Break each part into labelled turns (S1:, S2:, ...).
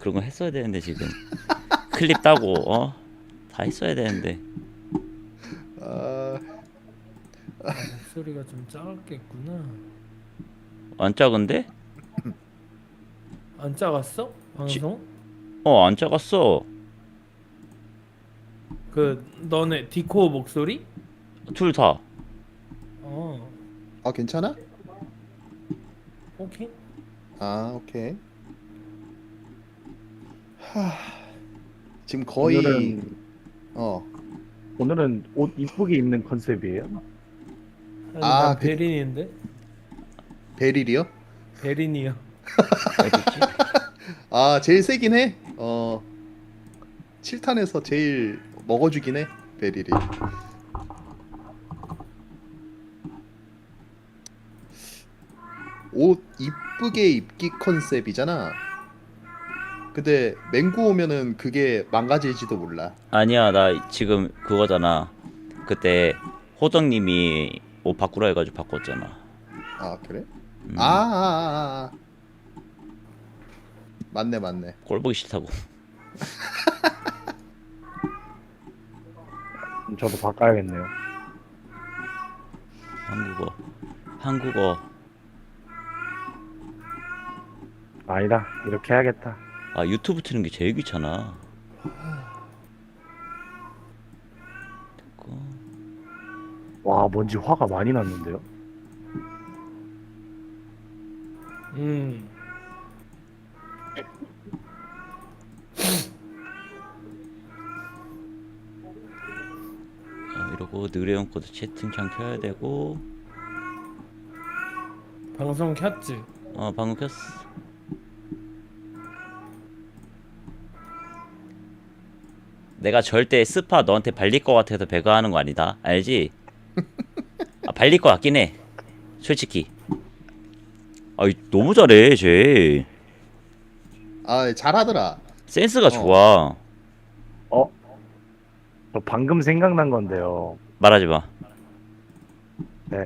S1: 그런 거 했어야 되는데 지금 클립 따고 다 했어야 되는데.
S2: 아,
S3: 목소리가 좀 작았겠구나.
S1: 안 작은데?
S3: 안 작았어?
S1: 지,
S3: 방송?
S1: 안 작았어.
S3: 그 너네 디코 목소리?
S1: 둘 다.
S3: 어,
S2: 아 괜찮아?
S3: 오케이.
S2: 아 오케이. 하, 지금 거의
S4: 오늘은
S2: 어.
S4: 오늘은 옷 이쁘게 입는 컨셉이에요.
S3: 아니
S2: 아,
S3: 난 베린인데?
S2: 베릴이요?
S3: 베린이요.
S1: 어디지?
S2: 아 제일 세긴 해. 7탄에서 제일 먹어주긴 해 베릴이. 옷 이쁘게 입기 컨셉이잖아. 근데 맹구 오면은 그게 망가질지도 몰라.
S1: 아니야, 나 지금 그거잖아. 그때 호덕님이 옷 바꾸라 해가지고 바꿨잖아.
S2: 아 그래?
S1: 음,
S2: 맞네 맞네.
S1: 꼴 보기 싫다고.
S4: 저도 바꿔야겠네요.
S1: 한국어.
S4: 아니다, 이렇게 해야겠다.
S1: 아, 유튜브 트는 게 제일 귀찮아. 됐고.
S4: 와, 뭔지 화가 많이 났는데요.
S3: 음.
S1: 이러고 느레온 코드 채팅창 켜야 되고.
S3: 방송 켰지?
S1: 방금 켰어. 내가 절대 스파 너한테 발릴 것 같아서 배가하는 거 아니다. 알지? 발릴 것 같긴 해. 솔직히. 너무 잘해, 쟤.
S2: 아 잘하더라.
S1: 센스가 좋아.
S4: 어? 저 방금 생각난 건데요.
S1: 말하지 마.
S4: 네.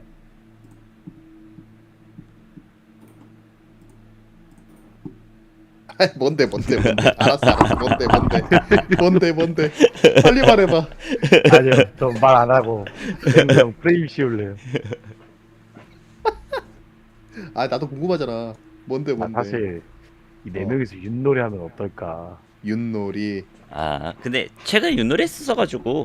S2: 뭔데 알았어 뭔데 빨리 말해봐.
S4: 아니요, 저 말 안 하고 그냥 프레임 씌울래요.
S2: 아 나도 궁금하잖아. 뭔데
S4: 사실 이 네
S2: 어.
S4: 명이서 윷놀이 하면 어떨까?
S2: 윷놀이.
S1: 근데 최근에 윷놀이 했었어가지고.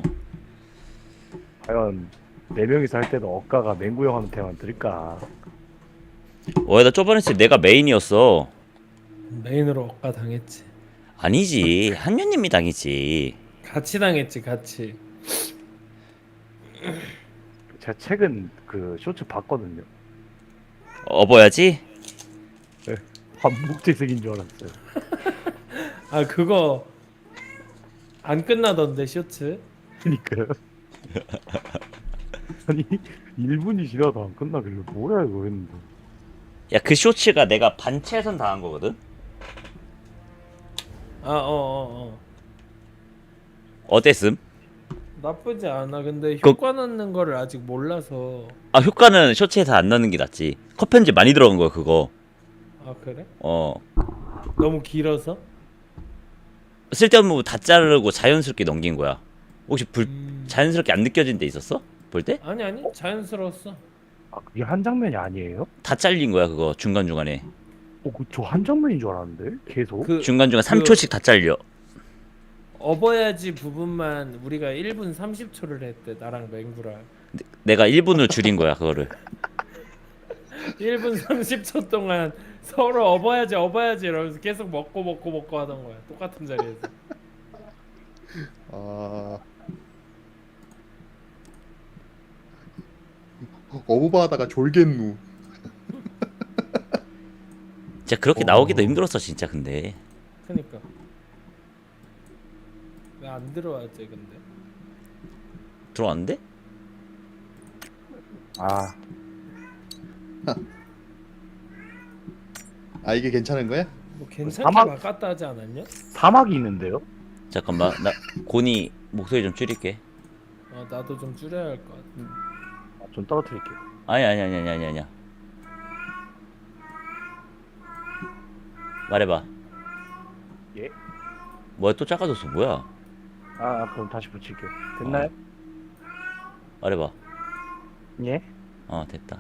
S4: 과연 네 명이서 할 때도 억가가 맹구 형한테만 들까?
S1: 나 저번에 했을 때 내가 메인이었어.
S3: 메인으로 억까 당했지.
S1: 아니지, 한유님이 당했지.
S3: 같이 당했지, 같이.
S4: 제가 최근 그 쇼츠 봤거든요.
S1: 업어야지.
S4: 반복재생인 줄 알았어요.
S3: 아 그거 안 끝나던데 쇼츠?
S4: 그니까요. 아니 1분이 지나도 안 끝나길래 뭐야 이거 했는데.
S1: 야, 그 쇼츠가 내가 반채선 당한 거거든.
S3: 어.
S1: 어땠음?
S3: 나쁘지 않아. 근데
S1: 그-
S3: 효과 넣는 거를 아직 몰라서.
S1: 효과는 쇼츠에서 안 넣는 게 낫지. 컷 편집 많이 들어간 거야, 그거.
S3: 아 그래?
S1: 어.
S3: 너무 길어서?
S1: 쓸데없는 부분 다 자르고 자연스럽게 넘긴 거야. 혹시
S3: 음...
S1: 자연스럽게 안 느껴진 데 있었어? 볼 때?
S3: 아니 자연스러웠어.
S4: 아 그게 한 장면이 아니에요?
S1: 다 잘린 거야, 그거. 중간중간에.
S4: 저 한 장면인 줄 알았는데 계속.
S1: 중간중간 3초씩 다 잘려.
S3: 업어야지 부분만 우리가 1분 30초를 했대. 나랑 맹구랑
S1: 내가 1분을 줄인 거야, 그거를.
S3: 1분 30초 동안 서로 업어야지 이러면서 계속 먹고 하던 거야. 똑같은 자리에서.
S2: 아 어부바하다가 졸겠누.
S1: 진짜 그렇게 나오기도 힘들었어, 진짜. 근데
S3: 그니까 왜 안 들어왔지 근데?
S1: 들어왔는데?
S4: 아
S2: 이게 괜찮은 거야?
S3: 뭐 괜찮게
S4: 사막-
S3: 바꿨다 하지 않았냐?
S4: 사막이 있는데요?
S1: 잠깐만, 나 고니 목소리 좀 줄일게.
S3: 나도 좀 줄여야 할 것 같아.
S4: 좀 떨어뜨릴게요.
S1: 아니야. 말해봐.
S4: 예?
S1: 뭐야 또 작아졌어 뭐야?
S4: 아 그럼 다시 붙일게요. 됐나요?
S1: 말해봐.
S4: 예?
S1: 됐다.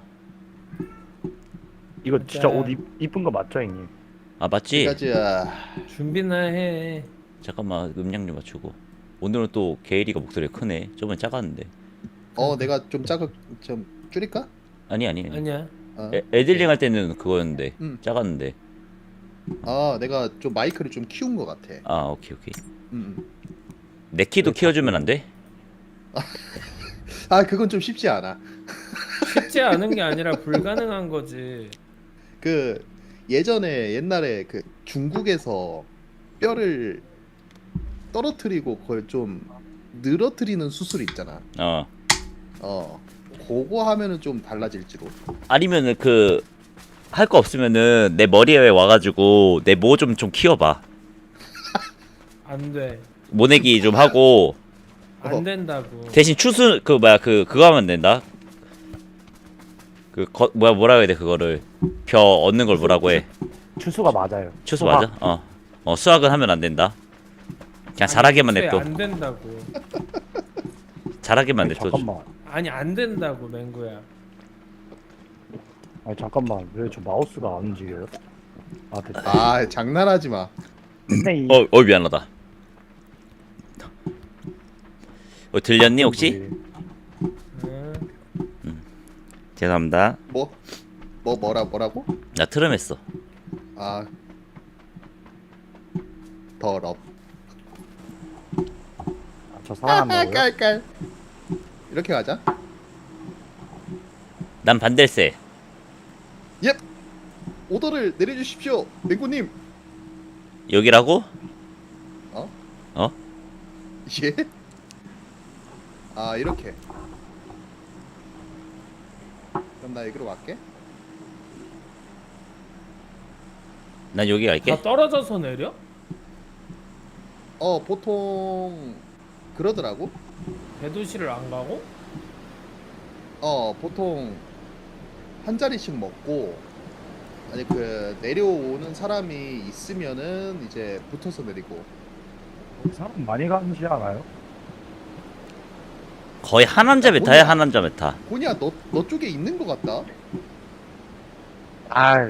S4: 이거 진짜
S3: 맞아요.
S4: 옷 이쁜 거 맞죠 형님?
S1: 아 맞지?
S2: 가자.
S3: 준비나 해.
S1: 잠깐만 음량 좀 맞추고. 오늘은 또 게이리가 목소리가 크네. 저번에 작았는데.
S2: 내가 좀 줄일까?
S1: 아니.
S3: 아니야.
S1: 애들링 할 때는 그거였는데 작았는데.
S2: 내가 좀 마이크를 좀 키운 것 같아.
S1: 오케이.
S2: 음.
S1: 내 키도 키워주면 안 돼?
S2: 그건 좀 쉽지 않아.
S3: 쉽지 않은 게 아니라 불가능한 거지.
S2: 그 옛날에 그 중국에서 뼈를 떨어뜨리고 그걸 좀 늘어뜨리는 수술 있잖아. 그거 하면은 좀 달라질지도.
S1: 아니면은 그 할 거 없으면은 내 머리에 와가지고 내 모 좀 키워봐.
S3: 안 돼.
S1: 모내기 좀 하고
S3: 안 된다고.
S1: 대신 추수 그거 하면 된다. 뭐라 해야 돼 그거를 벼 얻는 걸 뭐라고 해?
S4: 추수가 맞아요.
S1: 추수
S4: 수학.
S1: 맞아? 수학은 하면 안 된다. 그냥 잘하게만
S3: 애초에
S1: 냅둬.
S3: 안 된다고.
S1: 잘하게만
S4: 아니,
S1: 냅둬.
S4: 잠깐만.
S3: 아니 안 된다고 맹구야.
S4: 아니 잠깐만 왜 저 마우스가 안 움직여요? 됐다.
S2: 장난하지 마.
S4: 근데 이
S1: 미안하다. 들렸니 혹시?
S3: 응.
S1: 죄송합니다.
S2: 뭐라고?
S1: 나 트름했어.
S2: 더럽.
S4: 저 사랑한다고요?
S2: 깔깔. 이렇게 가자.
S1: 난 반댈세.
S2: 오더를 내려주십시오, 맹구님.
S1: 여기라고?
S2: 예? 이렇게. 그럼 나 여기로 갈게.
S1: 난 여기 갈게.
S3: 다 떨어져서 내려?
S2: 보통 그러더라고.
S3: 대도시를 안 가고?
S2: 보통 한 자리씩 먹고 내려오는 사람이 있으면은 이제 붙어서 내리고.
S4: 사람 많이 가는지 않아요?
S1: 거의 한남자 메타야 한남자 메타.
S2: 고니야, 너 쪽에 있는 것 같다.
S4: 아이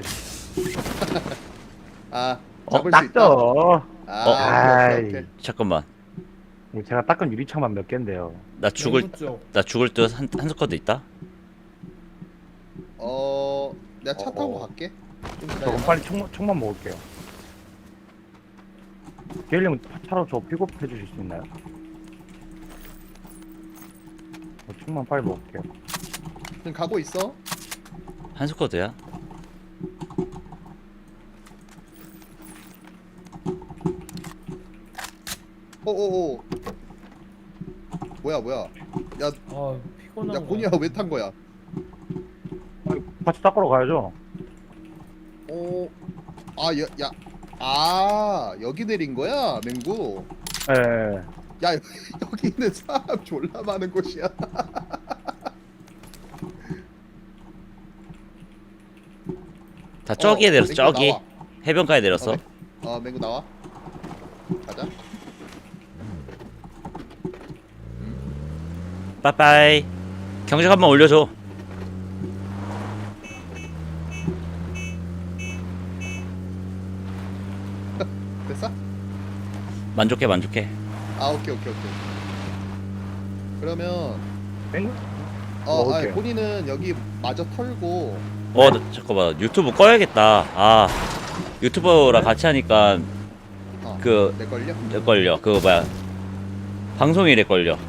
S2: 잡을 수 있다.
S4: 닦죠.
S2: 오케이.
S1: 잠깐만.
S4: 제가 닦은 유리창만 몇 개인데요.
S1: 나 죽을 듯 한 스쿼드 있다.
S2: 내가 차 타고 갈게. 좀
S4: 저
S2: 기다려봐.
S4: 그럼 빨리 총만 먹을게요. 게일님 차로 저 픽업 해주실 수 있나요? 저 총만 빨리 먹을게요.
S2: 지금 가고 있어.
S1: 한 스쿼드야.
S2: 오오오. 뭐야? 야
S3: 피곤한 거.
S2: 고니야, 왜 탄 거야?
S4: 같이 닦으러 가야죠.
S2: 여기 내린 거야, 맹구.
S4: 예.
S2: 야, 여기 있는 사람 졸라 많은 곳이야.
S1: 다 저기에 내렸어.
S2: 맹구
S1: 저기
S2: 나와.
S1: 해변가에 내렸어.
S2: 맹구 나와. 가자.
S1: 빠빠이. 경적 한번 올려줘.
S2: 됐어?
S1: 만족해.
S2: 오케이. 그러면
S4: 땡?
S2: 본인은 여기 마저 털고.
S1: 잠깐만 유튜브 꺼야겠다. 유튜버랑 같이 하니까
S2: 내 걸려?
S1: 내 걸려. 그거 뭐야? 방송일에 걸려.